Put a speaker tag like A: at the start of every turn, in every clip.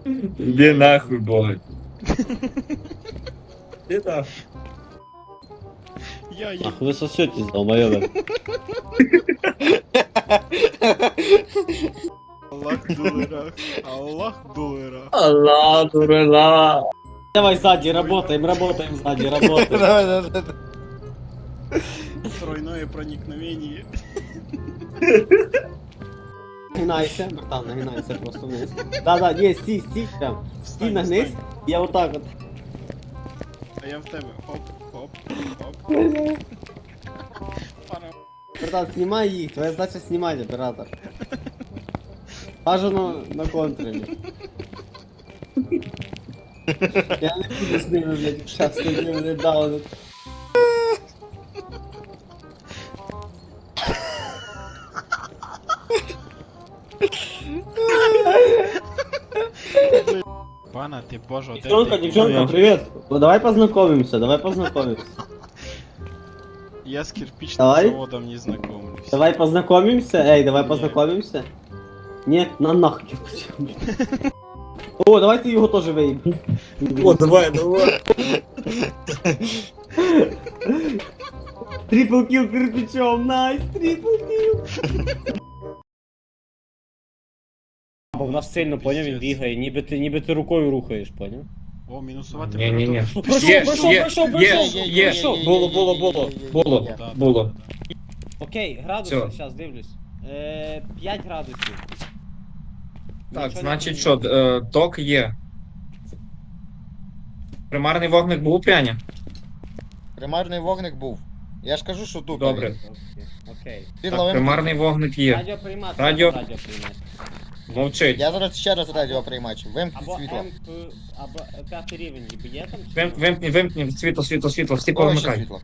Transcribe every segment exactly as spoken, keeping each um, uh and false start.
A: Иди нахуй, бой. Иди нахуй.
B: Я їм.
C: Ах, вы сосетесь, долбоёбы.
B: Аллах дулера. Аллах дулера.
A: Аллах, дура.
C: Давай сзади, работаем, работаем сзади, работаем.
D: Давай, давай, давай.
B: Тройное проникновение.
C: Нагинайся, братан, нагинайся просто вниз. Да-да, не, стій, стій прям. Стій
B: Встань,
C: нагнись,
B: встань.
C: я вот так вот.
B: А я в тебе. Хоп, хоп, хоп. Пара.
C: Братан, снимай їх, твоя задача снимать, оператор. Бажано на контролі. Я не буду з ними, блядь, щас тоді мене дали.
B: Пана, ти боже, де
C: Девчонка,
B: ти?
C: девчонка, привет. Ну давай познакомимся, давай познакомимся.
B: Я с кирпичным
C: Давай.
B: заводом не знакомлюсь.
C: Давай познакомимся, эй, давай
B: Ні.
C: познакомимся. Нет, на нахуй. О, давай ты его тоже выеб.
A: О, давай, давай.
C: Трипл килл кирпичом, найс, трипл килл. Бо в нас сильно, поняв, він бігає, ніби ти, ніби ти рукою рухаєш, поняв?
B: О, мінусувати
A: Не-не-не.
C: Пройшов,
A: Є,
C: пройшов,
A: є,
C: пройшов,
A: є,
C: пройшов,
A: є.
C: пройшов.
A: Було, було, було. Було,
B: Да, да,
A: було.
B: да, да.
C: Окей, градуси,
A: Всё.
C: зараз дивлюсь. Е, п'ять градусів.
A: Так,
C: Нічого
A: значить
C: не
A: що, е, ток є. Примарний вогник був у пряня?
D: Примарний вогник був. Я ж кажу, що тут.
A: Добре.
C: Окей, окей.
D: Ти
A: Так,
D: ловим.
A: примарний вогник є.
C: Радіоприймач,
A: Радіо-
C: радіоприймач.
A: Мовчить.
D: Я зараз ще раз радіоприймач. Вимкніть
C: Або
D: світло.
C: М, П, або е, п'ятий рівень, ніби є там? чи
A: Вим-
C: ні?
A: Вимкні, вимкні, світло, світло, світло, всі
D: О, ще
A: повмикай.
D: світло.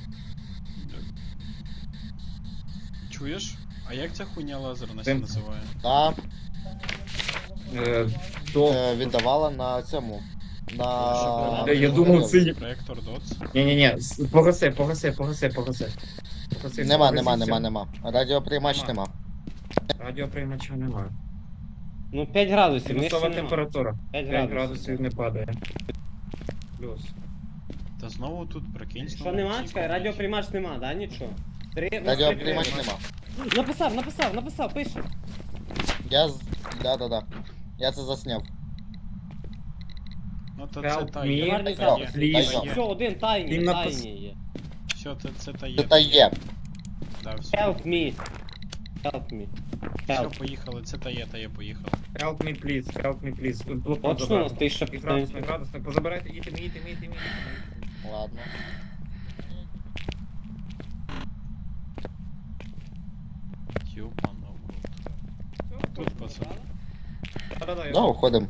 B: Чуєш? А як ця хуйня лазерна
A: Тим-
B: називає?
D: Та
A: Е, До...
D: е, віддавала на цьому. На.
A: Я думав, це-
B: Проектор доц.
A: Ні-ні-ні, с- погаси, погаси, погаси, погаси. Погаси,
D: Нема,
A: погаси
D: нема,
A: все.
D: нема, нема. Радіоприймач
A: Нема.
D: нема.
A: Радіоприймача немає.
C: Ну п'ять градусів, в них
A: Мінусова
C: ще нема.
A: температура.
C: п'ять
A: п'ять
C: градусів.
A: градусів не падає. Плюс.
B: Та знову тут прикинь.
C: Що
B: знову
C: нема?
B: ці
C: Чекай,
B: комнати.
C: радіоприймач нема, да, нічого? Три, у нас три
D: Радіоприймач
C: приймачі.
D: нема.
C: Написав, написав, написав, пише.
D: Я з. Да-да-да. Я це засняв.
B: Ну то
A: Help
B: це та
A: me.
B: є.
C: Примарний
B: та
C: запис.
B: є.
D: Please.
B: Та є.
C: Все, один тайні,
A: Він напис-
C: тайні є.
B: Все, це, це та є.
D: Це та є.
B: Да, все.
C: Help me. Help me.
B: Все,
C: Help.
B: поїхали, це та є, та є, поїхали.
A: Help me, please, help me, please. Тут блокнот
C: Точно у
A: забрати.
C: нас тисяча
A: І градусник,
C: п'ятнадцять.
A: градусник, позабирайте, їдьте, їдьте, їдьте, їдьте.
D: Ладно.
B: Ёбана в рот. Тут, пацани.
A: Да-да-да, я-
D: Да, уходим.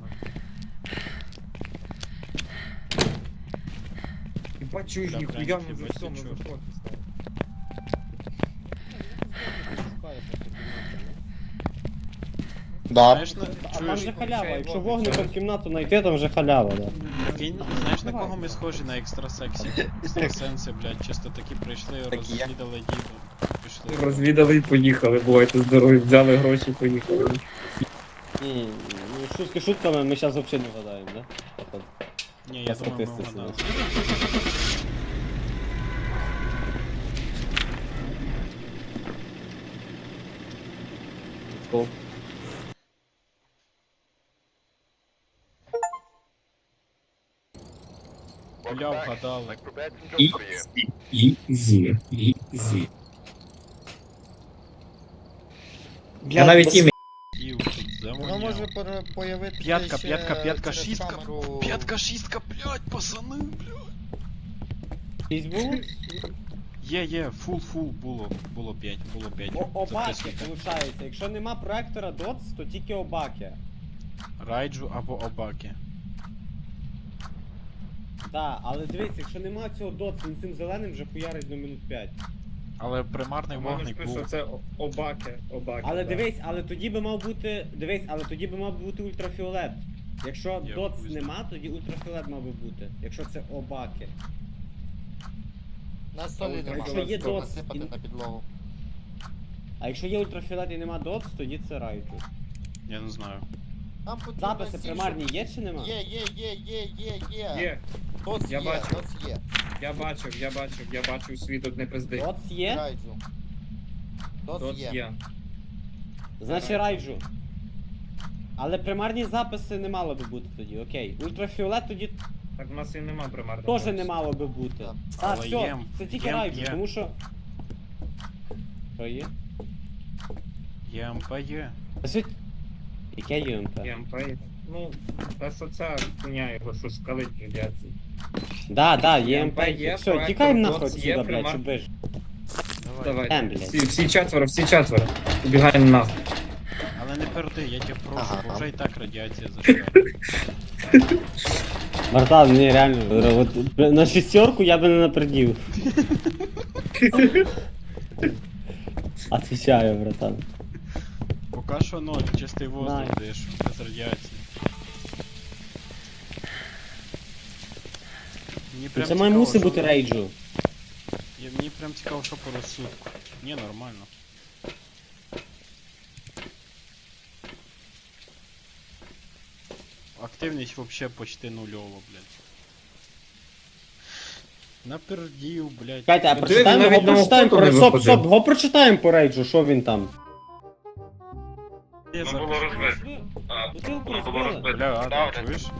A: Ебать, чуешь,
B: Да,
A: нихуя
B: прям
A: мы уже
B: ебать,
A: все, мы
B: ты
A: уже
B: чё.
A: фотки стали.
D: Да.
B: Знаєш, на...
C: А там
B: чуєш,
C: же халява,
A: включай
C: якщо
A: вогник,
C: вогником
A: зараз.
C: кімнату знайти, там вже халява, да.
B: Прикинь, знаєш на кого ми схожі на екстрасексі? Екстрасенси, блядь, чисто такі прийшли,
D: Такі я.
B: розвідали діду. Пішли.
A: Розвідали і поїхали, бувайте здорові, взяли гроші, поїхали.
C: Ні, ні, ну шутки шутками, ми зараз взагалі не вгадаємо, да? Походу.
B: Ні,
C: По
B: я думаю, ми
C: статистиці.
B: вгадали.
C: Let's go.
B: Бля, вгадали.
A: Ізі, ізі, ізі. Я навіть ім'я.
B: Ів, тут
D: Воно
B: завоняв.
D: може пере- появитися.
B: П'ятка,
D: ще
B: п'ятка, п'ятка,
D: через
B: шістка.
D: камеру.
B: П'ятка, шістка, блядь, пацани, блядь.
C: Шість було?
B: Є, є, фул, фул, було, було п'ять, було п'ять.
C: О, обаки,
B: Записуйте.
C: виходить. Якщо нема проектора доц, то тільки обаки.
B: Райджу або Обаки.
C: Да, але дивись, якщо нема цього доц, він цим зеленим вже хуярить до минут п'ять.
B: Але примарний
A: У мене
B: вогник
A: список
B: був.
A: це обаки, обаки.
C: Але
A: да.
C: дивись, але тоді би мав бути. Дивись, але тоді би мав бути ультрафіолет. Якщо
B: Я
C: доц
B: хуй знаю.
C: нема, тоді ультрафіолет мав би бути. Якщо це обаки.
D: На столі нема.
C: Якщо є
D: Треба
C: доц
D: насипати
C: і-
D: на підлогу.
C: А якщо є ультрафіолет і нема доц, тоді це райджу.
B: Я не знаю.
D: Там потрібно
C: Записи
D: сім,
C: примарні є чи нема?
D: Є, є, є, є, є, є.
A: Є,
D: Тоц
A: Я
D: є,
A: бачу.
D: тоц є.
A: я бачив, я бачив, я бачив світ тут не пизди.
C: От є?
D: Райджу. Тоц
A: Тут
D: є.
A: є.
C: Значить райджу. Але примарні записи не мало би бути тоді, окей. Ультрафіолет тоді
A: Так в нас і нема примарного.
C: теж не мало би бути.
D: Так.
C: А,
B: Але
C: все,
B: є.
C: це тільки
B: Є,
C: райджу,
B: є.
C: тому що. Що є?
B: ЄМП є.
C: Та світ- Яке ЮМП?
A: ЄМП. Ну, та соця хуйня його, що скалить радіації.
C: Да, да, ЄМП
A: ЄМП є,
C: є. Все,
A: проектор
C: тікаємо
A: Доц
C: нахуй
A: є,
C: отсюда, блядь,
A: примар-
C: щоб вижити.
B: Давай.
A: Давай.
C: Ем, блядь.
A: Всі, всі четверо, всі четверо. Убігаємо нахуй.
B: Але не перди, я тебе прошу,
D: Ага.
B: бо вже і так радіація зашла.
C: Братан, ні, реально, от, на шестерку я би не напердів. Отвечаю, братан.
B: Поки що ноль, чистий воздух
C: Найс.
B: даєш, без радіації. Мені прям
C: Це має
B: цікаво,
C: мусить
B: що-
C: бути рейджу.
B: Я- Мені прям цікаво, що по розсудку. Ні, нормально. Активність вообще почти нульова, блядь. Напердів, блядь.
C: Чекайте, а
A: Диви,
C: прочитаємо,
A: навіть
C: його
A: на
C: прочитаємо
A: охоту не
C: про стоп,
A: виходив.
C: стоп, його прочитаємо по рейджу, що він там.
B: Я
A: Ну,
B: запишу.
A: було розбито.
C: Бутилку
A: воно було
C: розбили.
B: Бля, а
A: Добре.
B: ти чуєш?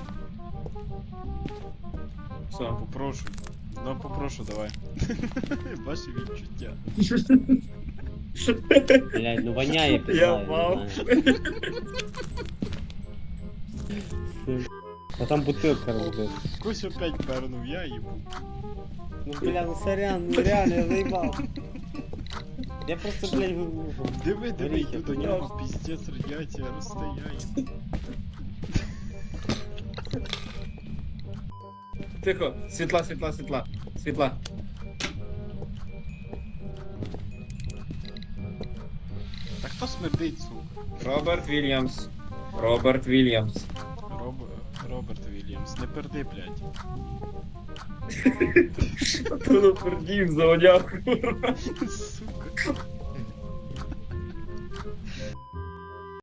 A: Все.
B: Попрошу. Ну попрошу, давай. Ваші відчуття.
C: Блядь, ну воняє пізда,
A: Я
C: я не
A: мав.
C: знаю. А там бутилка розбита.
B: Кось опять пернув, я їбу.
C: Ну бля, ну сорян, ну реально, я заїбав. Я просто, блядь, ви-
B: Диви, диви,
C: Горіхи,
B: йду до нього, піздець, радіація розстояння.
A: Тихо, світла, світла, світла. Світла.
B: Та хто смердить, сука?
A: Роберт Вільямс. Роберт Вільямс.
B: Роб... Роберт Вільямс, не перди, блядь.
A: Тут пердів заводяв.
B: Сука.